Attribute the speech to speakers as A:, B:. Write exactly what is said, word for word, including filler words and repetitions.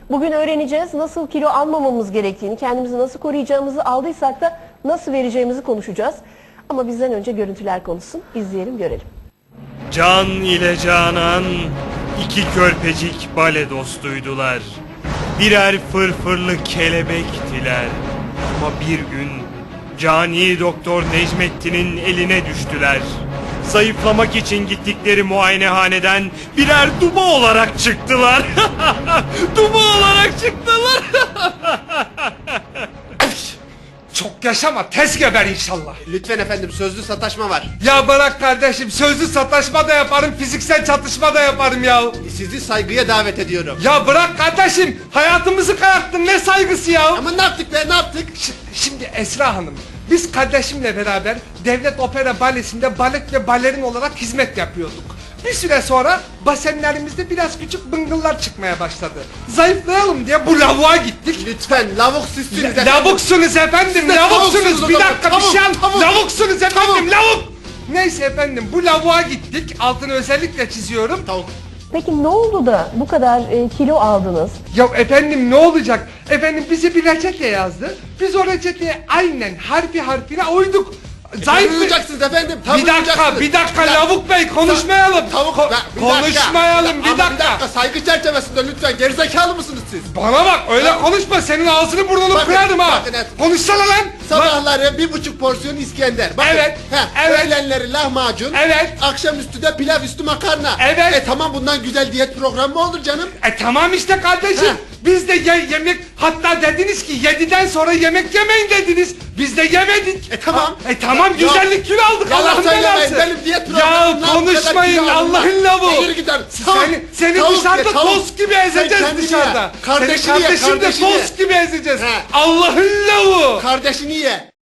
A: Bugün öğreneceğiz nasıl kilo almamamız gerektiğini, kendimizi nasıl koruyacağımızı, aldıysak da nasıl vereceğimizi konuşacağız. Ama bizden önce görüntüler konuşsun. İzleyelim, görelim.
B: Can ile Canan iki körpecik bale dostuydular. Birer fırfırlı kelebektiler. Ama bir gün cani doktor Necmettin'in eline düştüler. Zayıflamak için gittikleri muayenehaneden birer duba olarak çıktılar. Duba olarak çıktılar.
C: Çok yaşama, tez geber inşallah.
D: Lütfen efendim, sözlü sataşma var.
C: Ya bırak kardeşim, sözlü sataşma da yaparım, fiziksel çatışma da yaparım ya.
D: Sizi saygıya davet ediyorum.
C: Ya bırak kardeşim, hayatımızı kararttın, ne saygısı ya?
D: Ama ne yaptık be, ne yaptık?
C: Ş- Şimdi Esra Hanım, biz kardeşimle beraber Devlet Opera Balesi'nde balet ve balerin olarak hizmet yapıyorduk. Bir süre sonra basenlerimizde biraz küçük bıngıllar çıkmaya başladı. Zayıflayalım diye bu lavuğa gittik.
D: Lütfen, lavuk sizsiniz
C: La-
D: efendim.
C: Lavuksunuz efendim,
D: Siz de
C: lavuksunuz.
D: tavuksunuz
C: Bir
D: o
C: dakika
D: zaman.
C: bir şey an.
D: Tavuk, tavuk.
C: Lavuksunuz efendim,
D: Tavuk.
C: lavuk. Neyse efendim, bu lavuğa gittik. Altını özellikle çiziyorum.
D: Tavuk.
A: Peki ne oldu da bu kadar e, kilo aldınız?
C: Ya efendim ne olacak? Efendim bize bir reçete yazdı. Biz o reçeteye aynen harfi harfine uyduk. Zayıf bir...
D: Uyuyacaksınız efendim.
C: Bir dakika,
D: uyuyacaksınız.
C: bir dakika
D: Ya-
C: Lavuk Bey, konuşmayalım.
D: Tavuk.
C: Ko-
D: Ya, bir dakika.
C: konuşmayalım,
D: Ya,
C: bir
D: ama
C: dakika.
D: Bir dakika, saygı çerçevesinde lütfen. Gerizekalı mısınız siz?
C: Bana bak, öyle
D: Ya-
C: konuşma, senin ağzını burnunu
D: Bakın,
C: kırarım ha.
D: bakın et-
C: Konuşsana lan. Bak-
D: Sabahları bir buçuk porsiyon İskender. Bakın,
C: Evet,
D: He,
C: evet.
D: Öğlenleri lahmacun.
C: Evet.
D: Akşamüstü de pilav üstü makarna.
C: Evet.
D: E tamam, bundan güzel diyet programı mı olur canım?
C: E tamam işte kardeşim.
D: Heh.
C: Biz de ye- yemek, hatta dediniz ki yediden sonra yemek yemeyin dediniz. Biz de yemedik.
D: E tamam.
C: Ha, E tamam,
D: Ya-
C: güzellik kilo aldık,
D: Yalan
C: Allah'ın
D: söylemeyin,
C: belası.
D: benim diyet
C: Ya
D: programımdan bu kadar
C: konuşmayın,
D: kilo aldım.
C: Allah'ın lavuğu.
D: Yürü gidelim.
C: Seni, seni
D: Tavuk
C: dışarıda
D: ye, tavuk.
C: tost gibi
D: Sen
C: ezeceğiz
D: kendini
C: dışarıda.
D: ye. Kardeşini
C: Seni
D: ye,
C: kardeşim de
D: kardeşini ye.
C: tost gibi ezeceğiz.
D: He.
C: Allah'ın lavuğu.
D: Kardeşini ye.